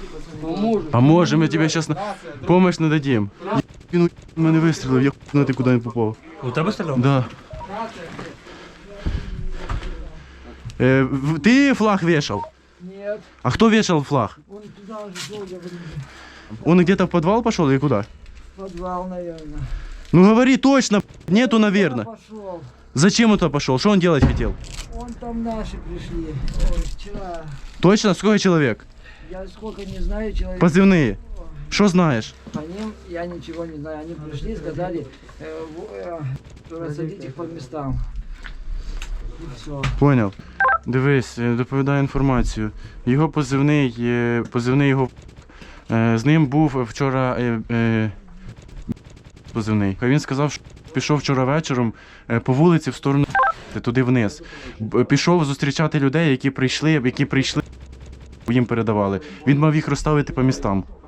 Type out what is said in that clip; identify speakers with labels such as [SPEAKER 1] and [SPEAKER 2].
[SPEAKER 1] Поможем, я тебе сейчас помощь нададим. Він у мене вистрілив, я хуй ти куди не попав.
[SPEAKER 2] У тебе стріляв?
[SPEAKER 1] Да. Ты флаг вешал?
[SPEAKER 3] Нет,
[SPEAKER 1] А кто вешал флаг?
[SPEAKER 3] он туда же шел, я говорю,
[SPEAKER 1] Он где-то в подвал пошел или куда?
[SPEAKER 3] в подвал, наверное.
[SPEAKER 1] Ну говори точно, нету, наверное.
[SPEAKER 3] Пошел.
[SPEAKER 1] Зачем он туда пошел? Что он делать хотел?
[SPEAKER 3] Он там наши пришли. Ой, вчера.
[SPEAKER 1] Точно? Сколько человек?
[SPEAKER 3] Я сколько не знаю, человек.
[SPEAKER 1] Позывные. Что знаешь?
[SPEAKER 3] По ним я ничего не знаю. Они пришли, сказали, рассадить их по местам. И все.
[SPEAKER 1] Понял. Дивись, доповідаю інформацію. Його позивний його. З ним був вчора позивний. Він сказав, що пішов вчора вечором по вулиці в сторону туди вниз. Пішов зустрічати людей, які прийшли, їм передавали. Він мав їх розставити по містам.